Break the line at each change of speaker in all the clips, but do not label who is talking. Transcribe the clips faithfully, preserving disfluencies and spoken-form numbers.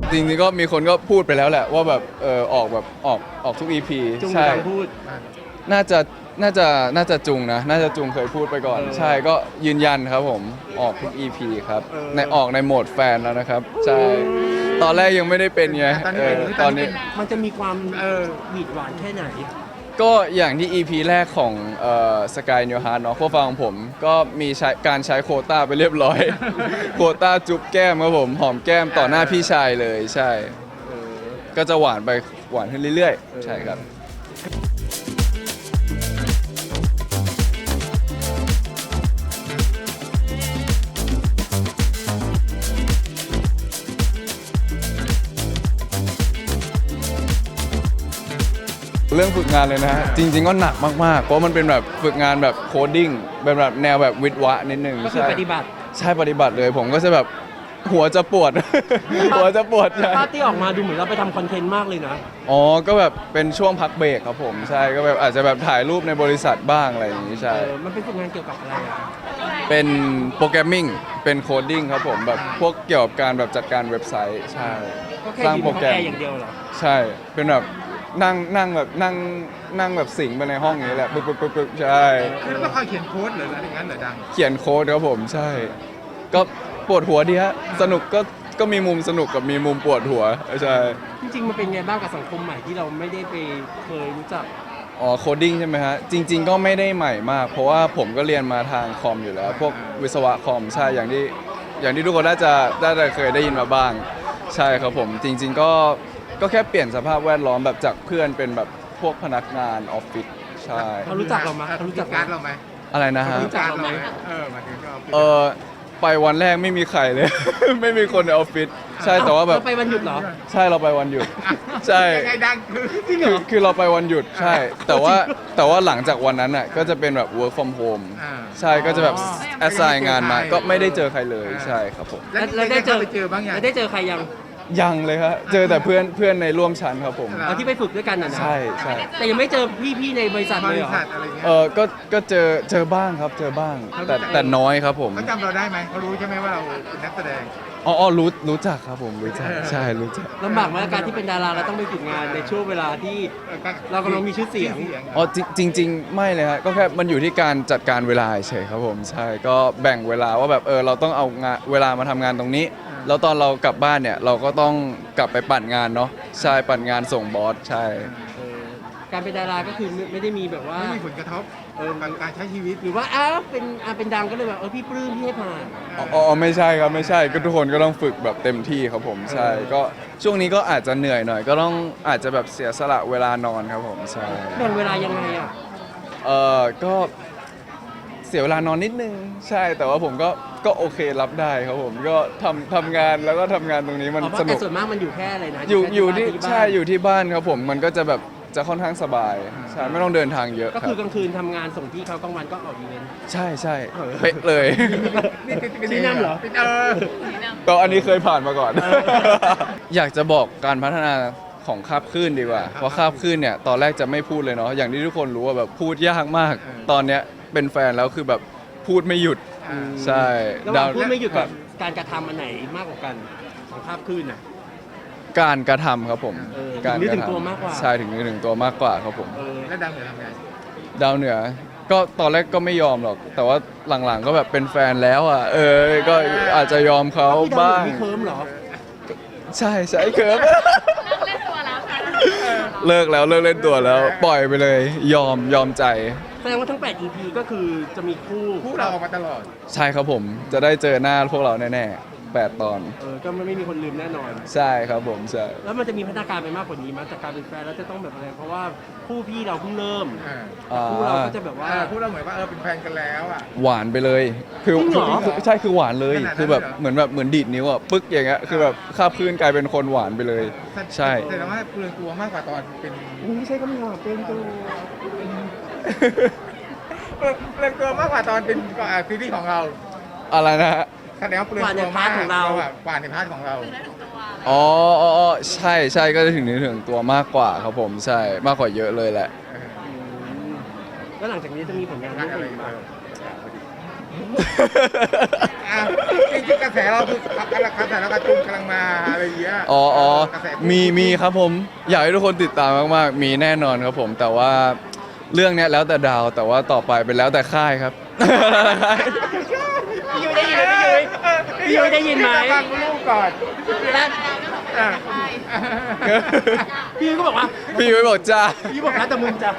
จริงๆก็มีคนก็พูดไปแล้วแหละว่าแบบเออออกแบบออกออกทุก อี พี
จุง
ใช่
กำพูด
น่าจะน่าจะน่าจะจุงนะน่าจะจุงเคยพูดไปก่อน
เออ
ใช่ก็ยืนยันครับผมออกทุก อี พี ครับ
เออ
ในออกในโหมดแฟนแล้วนะครับใช่ตอนแรกยังไม่ได้เป็นไง
ตอนนี้
เอ
เป็น
อตอนนี้
มันจะมีความเออหวีดหวานแค่ไหน
ก็อย่างที่ อี พี แรกของเอ่อสกายนิวฮาร์ดเนาะโคฟังของผม ก็มีใช้การใช้โควต้าไปเรียบร้อย โควต้าจุ๊บแก้มครับผมหอมแก้มต่อหน้าพี่ชายเลยใช่
เออ
ก็จะหวานไปหวานขึ้นเรื่อย
เออ
ๆ ใช่ครับ เรื่องฝึกงานเลยนะฮะจริง ๆ ก็หนักมากๆ เพราะมันเป็นแบบฝึกงานแบบโคดดิ้งเป็นแบบแนวแบบวิทย์วะนิดนึง
ก็คือ
ใช่
ปฏิบัติ
ใช่ปฏิบัติเลยผมก็จะแบบหัวจะปวด หัวจะปวดใช่
ภาพที่ออกมาดูเหมือนเราไปทำคอนเทนต์มากเลยนะ
อ๋อก็แบบเป็นช่วงพักเบรกครับผมใช่ก็แบบอาจจะแบบถ่ายรูปในบริษัทบ้างอะไรอย่างนี้
เอ
ใช่
อมันเป็นฝึกงานเกี่ยวกับอะไรอ่ะ
เป็นโปรแกรมมิ่งเป็นโคดดิ้งครับผมแบบพวกเกี่ยวกับการแบบจัดการเว็บไซต์ใช่
ก็แค่
สร้าง
ยืน
โปร
ห้อง
แกร
แอ
ม
ร์อย่างเดียวเหรอ
ใช่เป็นแบบนั่งนั่งแบบนั่งนั่งแบบสิงไปในห้องอย่างนี้แหละปึ๊บปึ๊บปึ๊บปึ๊บใช่
คือต้องคอยเขียนโค้ดเหรืออะไรอย่างนั้นเหรอดัง
เขียนโค้ดครับผมใช่ ก็ปวดหัวดีฮะสนุกก็ก็มีมุมสนุกกับมีมุมปวดหัวใช่
จริงๆมันเป็นไงบ้างกับสังคมใหม่ที่เราไม่ได้ไปเคยรู้จัก
อ๋อโคดดิ้งใช่ไหมฮะจริง ๆ ก็ไม่ได้ใหม่มาก เพราะว่าผมก็เรียนมาทางคอมอยู่แล้ว พวกวิศวะคอมใช่อย่างที่อย่างที่ทุกคนน่าจะน่าจะเคยได้ยินมาบ้าง ใช่ครับผมจริง ๆ ก็ก็แค่เปลี่ยนสภาพแวดล้อมแบบจากเพื่อนเป็นแบบพวกพนักงานออฟฟิศใช่
เขารู้จักเราไหมเขารู้จัก
การดเราไหม
อะไรนะฮะ
รู้จักเราไหม
เออมาถึงก็
เออไปวันแรกไม่มีใครเลย ไม่มีคนในออฟฟิศใช่แต่ว่าแบบ
เรไปวันหยุดเหรอ
ใช่เราไปวันหยุด ใช่
ยังไงดังคือ
จริงเหร
คือ
อ
คือเราไปวันหยุดใช่ แต่ว่าแต่ว่าหลังจากวันนั้นอ่ะก็จะเป็นแบบ work from home
อ่า
ใช่ก็จะแบบ
อ๋อ
assign งานมาก็ไม่ได้เจอใครเลยใช่ครับผม
แล้ว
แล้วได้เจอ
ไปเจอบ้างยัง
แล้วได้เจอใครยัง
ยังเลยครับเจอแต่เพื่อนเพื่อนในร่วมชั้นครับผม
เอาที่ไปฝึกด้วยกันน่ะนะ
ใช่ใช่
แต่ยังไม่เจอพี่ๆในบริษัท
บ
เลย
ริ
เหรอ
ษัทอะไรเงี้ย
เออก็ก็เจอเจอบ้างครับเจอบ้าง แต่แต่น้อยครับผม
เขาจำเราได้ไหมเขารู้ใช่ไหมว่าเราเป็นนักแสดง
อ๋ออ๋อรู้รู้จักครับผมรู้จักใช่รู้จัก
ลำบากไหมกับการที่เป็นดาราเราต้องไปฝึกงานในช่วงเวลาที่ เรากำลังมีชื่อเสียง
อ๋อจริงจริง ๆ ไม่เลยฮะก็แค่มันอยู่ที่การจัดการเวลาเฉยครับผมใช่ก็แบ่งเวลาว่าแบบเออเราต้องเอางานเวลามาทำงานตรงนี้ แล้วตอนเรากลับบ้านเนี่ยเราก็ต้องกลับไปปั่นงานเนาะใช่ปั่นงานส่งบอสใช่
เออการเป็นดาราก็คือไม่ไม่ได้มีแบบว่า
ไม่มีผลกระทบ
เออ
กับการใช้ชีวิต
หรือว่าอ้าวเป็นอ่าเป็นดังก็เลยแบบเออพี่ปลื้มพี่ให้ผ่าน
อ๋ออ๋อไม่ใช่ครับไม่ใช่ก็ทุกคนก็ต้องฝึกแบบเต็มที่ครับผมใช่ ก็ช่วงนี้ก็อาจจะเหนื่อยหน่อย ก็ต้องอาจจะแบบเสียสละเวลานอนครับผมใช่
แบ่งเวลายังไงอ่ะ
เออก็เสียเวลานอนนิดนึงใช่แต่ว่าผมก็ก็โอเครับได้ครับผมก็ทำทำงานแล้วก็ทำงานตรงนี้มัน
อ๋อเพ
ส
ราะ
นุ
แต่
ก
ส่วนมากมันอยู่แค่อะไรนะ
อยู่อยู่ที่
แค่บ้าน
ใช่อยู่ที่บ้านครับผมมันก็จะแบบจะค่อนข้างสบายใช่ไม่ต้องเดินทางเยอะ
ก็
ครั
คือบ กลางคืนทำงานส่งที่เขากลางวันก็ออกอีเวนต์
ใช่ใช่
เออ
เป๊ะเลย
นี่เป็นเป็น
ที่นั่นเหรอ
เป็นเออ
ก็อันนี้เคยผ่านมาก่อน
เออ
อยากจะบอกการพัฒนาของคาบคลื่นดีกว่า เพราะคาบคลื่นเนี่ยตอนแรกจะไม่พูดเลยเนาะอย่างที่ทุกคนรู้ว่าแบบพูดยากมาก ตอนเนี้ยเป็นแฟนแล้วคือแบบพูดไม่หยุด
อ่า
ใช่
ระหว่าง
ดาว
พูดไม่หยุด
ครั
กับ บการกระทำอันไหนมากกว่ากันของภาพคลื่นอ่ะ
การกระทำครับผม
เออ
การ
ถึงนึก
ก
ถึ
ระ
งตัว
ทำ
มากกว่า
ใช่ถึงนึกถึงตัวมากกว่าครับผม
เออ
แล้วดังเหนือทำไง
ดาวเหนือ ก็ตอนแรกก็ไม่ยอมหรอก แต่ว่าหลังๆก็แบบเป็นแฟนแล้วอ่ะ เออ ก็อาจจะยอมเขา
พี่ดาว
บ้าง
มีเคิร์มเหรอ
ใช่ใช่เคิร์ฟ
เล่นตัวแล้วค่ะ
เลิกแล้วเลิกเล่นตัวแล้ว ปล่อยไปเลย ยอมยอมใจ
แสดงว่าทั้งแปด อี พี ก็คือจะมีคู่
คู่เราออกมาตลอด
ใช่ครับผม จะได้เจอหน้าพวกเราแน่ๆแปดตอน
เออก็ไม่มีคนลืมแน่นอน
ใช่ครับผมใช่
แล้วมันจะมีพัฒนาการไปมากกว่านี้มั้ยจากการเป็นแฟนแล้วจะต้องแบบอะไรเพราะว่าคู่พี่เราเพิ่งเริ่ม
อ่า
อ่า
คู่เราก็จะแบบว่า
อ่าคู่เราเหมือนว่าเออเป็นแฟนกันแล้วอ่ะ
หวานไปเลย คือ
จริงเหรอ
คือใช่คือหวานเลย
ขนาดนั้น
คือแบบ
เลยเหรอ
เหมือนแบบเหมือนดีดนิ้วอ่ะ ปึ๊กอย่างเงี้ย คือแบบคาบคลื่นกลายเป็นคนหวานไปเลย ใช่
แสดงว่าเปลืองตัวมากกว่าตอนเป็น
ไม่ใช่คำหยาบเป็นตัว
เปลืองเปลืองตัวมากกว่าตอนเป็นอ่าซีรีส์ของเรา
อะไรนะฮะ
แสดงว่าเปลืองตัวมากอะกว่าในพาร์ทของเรา
อ๋ออ๋ออ๋อใช่ใช่ก็จะถึงนึกถึงตัวมากกว่าครับผมใช่มากกว่าเยอะเลยแหละ
แล้วหลังจากนี้จะมีผลงาน
งาน
เรื่อง
อะไร
อื่น
มา
มา
อ่าอ่ะจริงๆกระแสเราคือกำลังกระแสเรากระตุ้นกำลังมาอะไรอย่างเงี้ย
อ๋ออ๋อก
ระแส
มีมีครับผม อยากให้ทุกคนติดตามมากๆ มีแน่นอนครับผม แต่ว่าเรื่องเนี้ยแล้วแต่ดาว แต่ว่าต่อไปเป็นแล้วแต่ค่ายครับ
พี่ยุ้ยได้ยินไหมพี่ยุ้ยพี่ยุ้ยได้ยินไหม
ฟังลูกก่อน
แล้ว
อ่ะ
พี่ยุ้ยก็บอกว่า
พี่ยุ้ยบอกจ้า
พี่ยุ้ยบอกแล้วแต่มึงจะ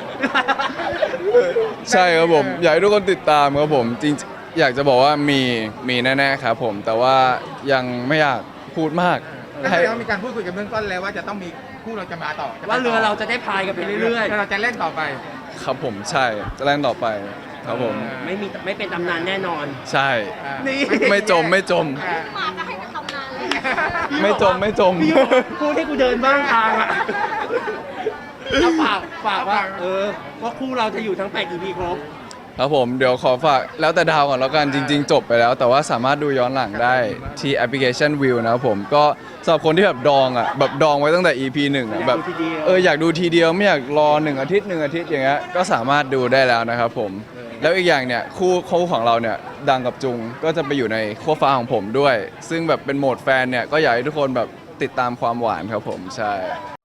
ใช่ครับผม อยากให้ทุกคนติดตามครับผมจริงๆอยากจะบอกว่ามีมีแน่ๆครับผม แต่ว่ายังไม่อยากพูดมาก
แล้ว
ให้
เรามีการพูดคุยกันเบื้องต้นแล้วว่าจะต้องมีคู่เราจะมาต่อจะไปต่
ว่าเรือเราจะได้พายกันไปเรื่อย
แล้วเราจะเล่นต่อไป
ครับผมใช่จะเล่นต่อไปครับผม
ๆ ไม่มีไม่เป็นตำนานแน่นอน
ใช่
อ่ะ
นี่
ไม่จมไม่จม
อ่ะ
มาจะให้ไปทำงานเลย
ไม่จมไม่จม
พี่ยุ้ยบอกพูดให้กูเดินบ้างทางอ่ะเอาฝากฝากว่า เออ ว่าคู่เราจะอยู่ทั้งแปด อี พี ครบ
ครับผมเดี๋ยวขอฝากแล้วแต่ดาวก่อนแล้วกันจริง ๆ จบไปแล้ว แต่ว่าสามารถดูย้อนหลังได้ที่แอปพลิเคชัน View นะครับผมก็สำหรับคนที่แบบดองอ่ะแบบดองไว้ตั้งแต่ อี พี หนึ่งอ่ะ
อยาก
แบบ
ดูทีเดียว
เอออยากดูทีเดียวไม่อยากรอหนึ่งอาทิตย์หนึ่งอาทิตย์อย่างเงี้ยก็สามารถดูได้แล้วนะครับผมแล้วอีกอย่างเนี่ยคู่คู่ของเราเนี่ยดังกับจุงก็จะไปอยู่ในขั้วฟ้าของผมด้วย ซึ่งแบบเป็นโหมดแฟนเนี่ยก็อยากให้ทุกคนแบบติดตามความหวานครับผมใช่